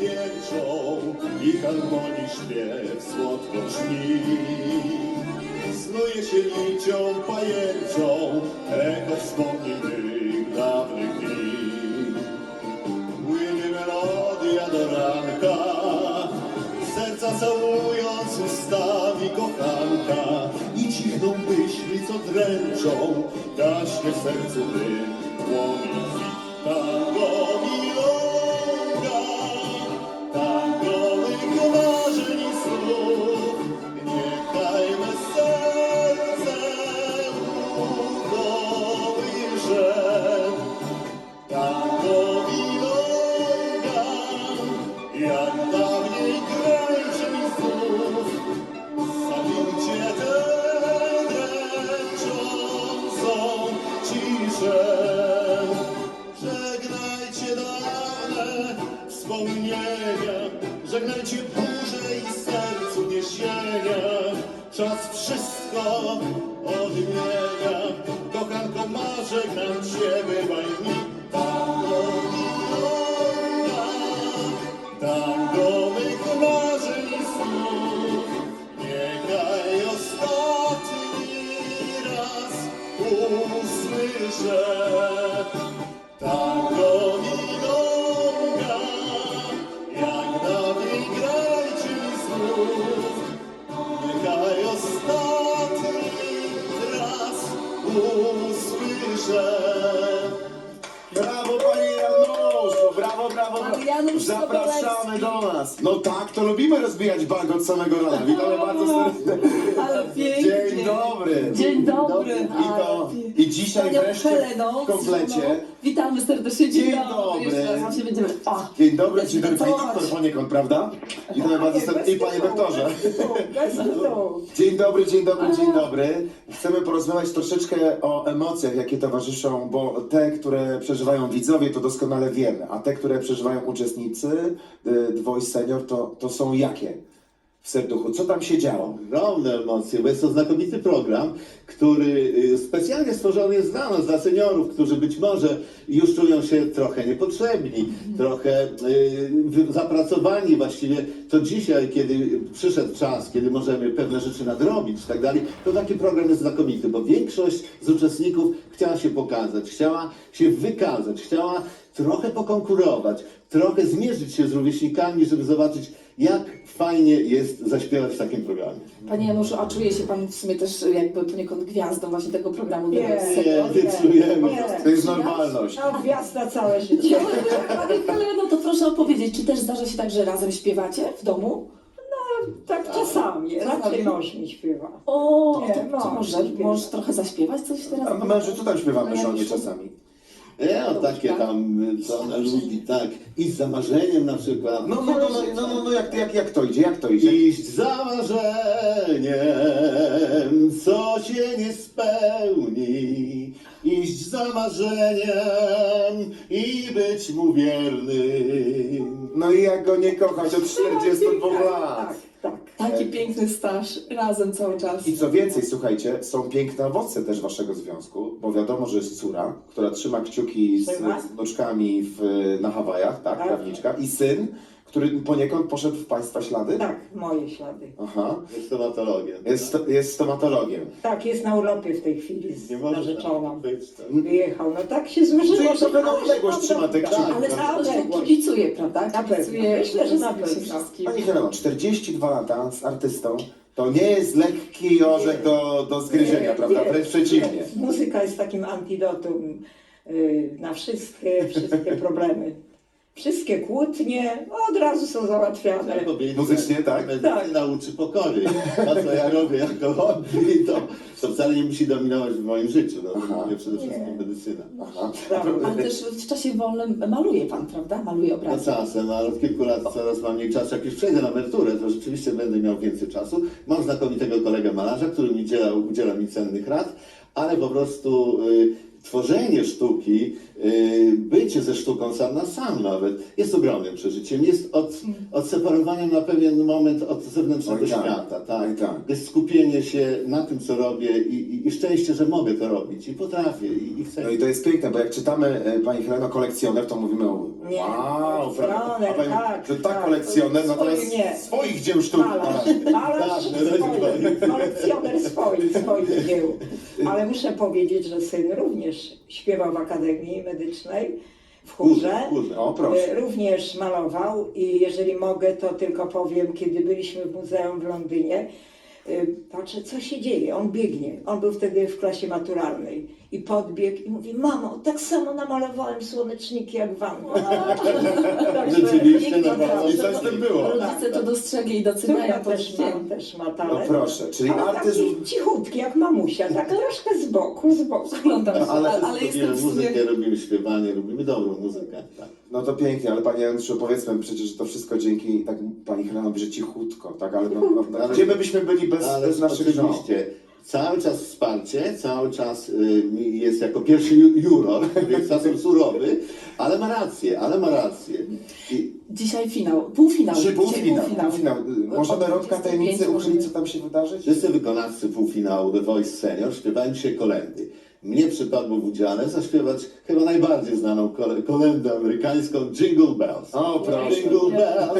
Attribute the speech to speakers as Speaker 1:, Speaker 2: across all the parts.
Speaker 1: wierczą i harmonii śpiew słodko brzmi. Snuje się nicią pajęczą echo wspomnień tych dawnych dni. Płynie melodia do ranka, serca całując ustami kochanka i cichną myśli, co dręczą, gaśnie w sercu dym, płomień tango milonga, tango mych marzeń i snów, niechaj me serce ukołysze. Tango milonga, jak dawniej kręczy mi znów, zawilcie tę dręczącą ciszę. Żegnajcie dawne wspomnienia, żegnajcie burze i sercu niesienia. Czas wszystko odmienia, kochanko ma żegnam cię, bywaj mi. Tango milonga, tango mych marzeń i snów, niechaj ostatni raz usłyszę. Tango milonga, jak dawniej grajcie mi znów, niechaj ostatni raz usłyszę.
Speaker 2: Brawo, panie Januszu, brawo, brawo.
Speaker 3: Pan Janusz
Speaker 2: Zapraszamy do nas. No tak, to lubimy rozbijać bank od samego rana. Witamy bardzo serdecznie.
Speaker 3: Ale pięknie.
Speaker 2: Dzień dobry.
Speaker 3: Dzień dobry.
Speaker 2: I dzisiaj
Speaker 3: Panią
Speaker 2: wreszcie
Speaker 3: Heleną,
Speaker 2: w komplecie.
Speaker 3: Witamy serdecznie.
Speaker 2: Dzień dobry.
Speaker 3: Jeszcze raz właśnie będziemy...
Speaker 2: Dzień dobry, dzień dobry. Pani
Speaker 3: Gratulować.
Speaker 2: doktor poniekąd, prawda? Witamy bardzo serdecznie. I panie doktorze. Dzień dobry, dzień dobry, dzień dobry. Chcemy porozmawiać troszeczkę o emocjach, jakie towarzyszą, bo te, które przeżywają widzowie, to doskonale wiemy, a te, które przeżywają uczestnicy The Voice Senior, to są jakie w serduchu? Co tam się działo?
Speaker 1: Ogromne emocje, bo jest to znakomity program, który specjalnie stworzony jest dla nas, dla seniorów, którzy być może już czują się trochę niepotrzebni, trochę zapracowani właściwie. To dzisiaj, kiedy przyszedł czas, kiedy możemy pewne rzeczy nadrobić i tak dalej, to taki program jest znakomity, bo większość z uczestników chciała się pokazać, chciała się wykazać, chciała trochę pokonkurować, trochę zmierzyć się z rówieśnikami, żeby zobaczyć, jak fajnie jest zaśpiewać w takim programie.
Speaker 3: Panie Januszu, a czuje się Pan w sumie też jakby poniekąd gwiazdą właśnie tego programu?
Speaker 4: Nie,
Speaker 1: Nie czujemy.
Speaker 2: To jest normalność.
Speaker 4: No, gwiazda całe życie.
Speaker 3: Panie Heleno, to proszę opowiedzieć, czy też zdarza się tak, że razem śpiewacie w domu?
Speaker 4: Tak czasami, raczej mąż mi śpiewa.
Speaker 3: O,
Speaker 4: Nie,
Speaker 3: to
Speaker 4: mąż
Speaker 3: może
Speaker 4: śpiewa.
Speaker 3: możesz trochę zaśpiewać coś teraz?
Speaker 2: A mężu, co tam śpiewamy żonie czasami?
Speaker 1: O takie tam, co ona lubi, tak. I z zamarzeniem na przykład.
Speaker 2: Jak to idzie, jak to idzie?
Speaker 1: Iść za marzeniem, co się nie spełni. Iść za marzeniem i być mu wiernym.
Speaker 2: No i jak go nie kochać od 42 lat?
Speaker 4: Tak, tak.
Speaker 3: Taki piękny staż, razem cały czas.
Speaker 2: I co więcej, słuchajcie, są piękne owoce też waszego związku, bo wiadomo, że jest córa, która trzyma kciuki z
Speaker 4: Trzyma.
Speaker 2: wnuczkami na Hawajach, tak,
Speaker 4: Tak.
Speaker 2: prawniczka, i syn, który poniekąd poszedł w państwa ślady?
Speaker 4: Tak, moje ślady.
Speaker 2: Aha,
Speaker 1: Jest stomatologiem.
Speaker 2: jest stomatologiem.
Speaker 4: Tak, jest na urlopie w tej chwili z
Speaker 1: Nie może
Speaker 4: narzeczoną.
Speaker 1: być tak.
Speaker 4: Wyjechał, no tak się złożyło.
Speaker 2: Czyli
Speaker 4: że
Speaker 2: trochę na
Speaker 4: ale
Speaker 2: odległość
Speaker 4: się
Speaker 2: trzyma te
Speaker 4: tam
Speaker 2: kciuki.
Speaker 3: Ale
Speaker 4: na
Speaker 3: na
Speaker 4: odległość.
Speaker 3: kibicuje, prawda?
Speaker 4: Na pewno.
Speaker 3: Kibicuje,
Speaker 4: Myślę, że na
Speaker 3: rozumie się
Speaker 4: pewno.
Speaker 3: wszystkim.
Speaker 2: Pani Heleno, 42 lata z artystą, to nie jest lekki orzech do zgryzienia, prawda?
Speaker 4: Nie,
Speaker 2: Wręcz przeciwnie.
Speaker 4: nie. Muzyka jest takim antidotum na wszystkie problemy. Wszystkie kłótnie od razu są załatwiane.
Speaker 1: Trzeba powiedzieć,
Speaker 2: Muzycznie,
Speaker 1: że
Speaker 2: tak?
Speaker 1: medycyna nauczy pokory. To, co ja robię jako hobby, to wcale nie musi dominować w moim życiu. No,
Speaker 2: Aha.
Speaker 1: mówię przede wszystkim
Speaker 4: Nie.
Speaker 1: medycyna.
Speaker 2: Aha.
Speaker 3: Ale też w czasie wolnym maluje Pan, prawda? Maluje
Speaker 1: No
Speaker 3: obrazy.
Speaker 1: czasem, ale od kilku lat coraz mam mniej czasu. Jak już przejdę na emeryturę, to rzeczywiście będę miał więcej czasu. Mam znakomitego kolegę malarza, który udziela mi cennych rad, ale po prostu tworzenie sztuki, bycie ze sztuką sam na sam nawet, jest ogromnym przeżyciem. Jest odseparowaniem na pewien moment od zewnętrznego
Speaker 2: Oj, tak.
Speaker 1: świata. Tak?
Speaker 2: Oj, tak.
Speaker 1: Jest skupienie się na tym, co robię i szczęście, że mogę to robić i potrafię i chcę.
Speaker 2: No i to jest piękne, bo jak czytamy Pani Heleno kolekcjoner, to mówimy
Speaker 4: Nie,
Speaker 2: wow, prawda? A
Speaker 4: kolekcjoner,
Speaker 2: Pani,
Speaker 4: tak,
Speaker 2: że tak
Speaker 4: tak.
Speaker 2: kolekcjoner, natomiast
Speaker 4: Swoich nie.
Speaker 2: swoich dzieł sztuki.
Speaker 4: Malarz swoich, kolekcjoner swoich dzieł. Ale muszę powiedzieć, że syn również śpiewał w Akademii Medycznej, w chórze.
Speaker 2: O, proszę.
Speaker 4: Również malował i jeżeli mogę, to tylko powiem, kiedy byliśmy w muzeum w Londynie, patrzę, co się dzieje, on biegnie. On był wtedy w klasie maturalnej i podbiegł i mówi: mamo, tak samo namalowałem słoneczniki jak wam.
Speaker 1: Rzeczywiście,
Speaker 3: Nikt
Speaker 1: naprawdę.
Speaker 2: I coś w tym było.
Speaker 3: Rodzice to dostrzegli i doceniają
Speaker 4: Córka też ma
Speaker 2: No
Speaker 4: talent.
Speaker 2: proszę, czyli
Speaker 4: Ale
Speaker 2: artyzm...
Speaker 4: taki cichutki jak mamusia, tak troszkę z boku.
Speaker 3: Oglądam się,
Speaker 2: Ale
Speaker 3: ale jestem
Speaker 1: Lubimy
Speaker 3: w sumie...
Speaker 1: muzykę, lubimy śpiewanie, lubimy dobrą muzykę. Tak.
Speaker 2: No to pięknie, ale Panie Andrzeju, powiedzmy przecież, że to wszystko dzięki, tak Pani Heleno mówi, że cichutko, tak? Ale no, gdzie my byśmy byli bez naszych żon?
Speaker 1: oczywiście, cały czas wsparcie, cały czas jest jako pierwszy juror, więc czasem surowy, ale ma rację.
Speaker 3: Dzisiaj półfinał.
Speaker 2: Czy półfinał?
Speaker 3: Dzisiaj
Speaker 2: Półfinał. Możemy rąbka tajemnicy uchylić, co tam się wydarzyć?
Speaker 1: Wszyscy wykonawcy półfinału The Voice Senior śpiewają dzisiaj kolędy. Mnie przypadło w udziale zaśpiewać chyba najbardziej znaną kolędę amerykańską Jingle Bells.
Speaker 2: O, proszę.
Speaker 1: Jingle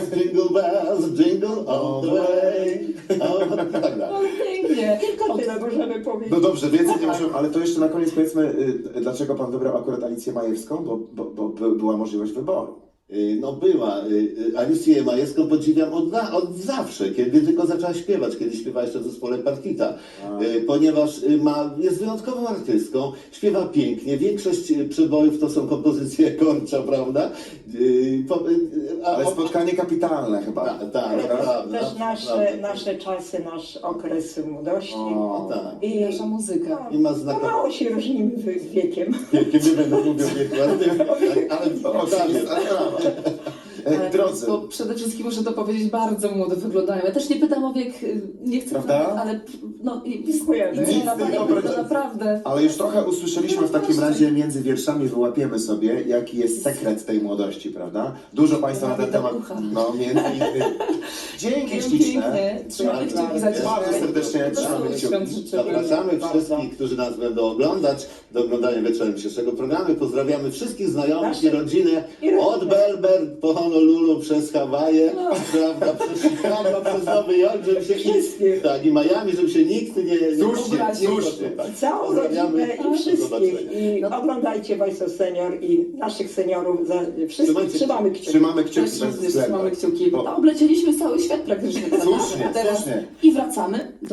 Speaker 1: bells, jingle all the way. I tak dalej.
Speaker 3: O, pięknie.
Speaker 4: Tylko tyle możemy powiedzieć.
Speaker 2: No dobrze, więcej nie możemy, ale to jeszcze na koniec powiedzmy, dlaczego Pan wybrał akurat Alicję Majewską, bo była możliwość wyboru.
Speaker 1: No była. Alicję Majewską podziwiam od zawsze, kiedy tylko zaczęła śpiewać, kiedy śpiewała jeszcze w zespole Partita, ponieważ jest wyjątkową artystką, śpiewa pięknie, większość przebojów to są kompozycje Korcza, prawda?
Speaker 2: Ale spotkanie kapitalne chyba.
Speaker 1: Tak, naprawdę.
Speaker 4: Też nasze czasy, nasz okres młodości.
Speaker 2: O,
Speaker 1: Tak.
Speaker 4: I
Speaker 3: Nasza muzyka.
Speaker 1: I ma
Speaker 4: no, mało się różnimy wiekiem.
Speaker 1: Nie będę mówił wieku, ale
Speaker 2: O, tak jest, ale brawa. Drodzy,
Speaker 3: Bo przede wszystkim muszę to powiedzieć, bardzo młodo wyglądają. Ja też nie pytam o wiek, nie chcę,
Speaker 2: Prawda?
Speaker 3: ale no
Speaker 4: Dziękujemy.
Speaker 2: Nic
Speaker 3: to naprawdę.
Speaker 2: ale już trochę usłyszeliśmy w takim razie między wierszami, wyłapiemy sobie, jaki jest sekret tej młodości, prawda? Dużo Państwa na ten temat, no między innymi. Dzięki śliczne.
Speaker 3: Pięknie. Trzymamy kciuki za dzisiaj.
Speaker 2: Bardzo serdecznie trzymamy kciuki.
Speaker 3: Świąt życzymy.
Speaker 1: Zapraszamy
Speaker 4: Bardzo.
Speaker 1: wszystkich, którzy nas będą oglądać, do oglądania wieczorem dzisiejszego programu. Pozdrawiamy wszystkich znajomych
Speaker 4: Nasze-
Speaker 1: i rodzinę od Belber po Honolulu przez Hawaje, prawda, przez Chicago, przez Nowy Jork, żeby się
Speaker 4: Wszystkich.
Speaker 1: tak, i Miami, żeby się nikt nie
Speaker 2: Słusznie,
Speaker 1: obraził.
Speaker 2: słusznie.
Speaker 1: Tak.
Speaker 4: Całą
Speaker 1: Pozdrawiamy.
Speaker 4: rodzinę i
Speaker 1: Do
Speaker 4: wszystkich.
Speaker 1: zobaczenia.
Speaker 4: I oglądajcie Voice of Senior i naszych seniorów. Wszystkich
Speaker 1: Trzymajcie
Speaker 4: trzymamy kciuki.
Speaker 2: Trzymamy kciuki
Speaker 3: Też
Speaker 2: bez
Speaker 3: również
Speaker 2: względu.
Speaker 3: trzymamy kciuki.
Speaker 2: Bo-
Speaker 3: No, oblecieliśmy cały świat praktycznie.
Speaker 2: Słusznie,
Speaker 3: Teraz
Speaker 2: słusznie.
Speaker 3: i wracamy do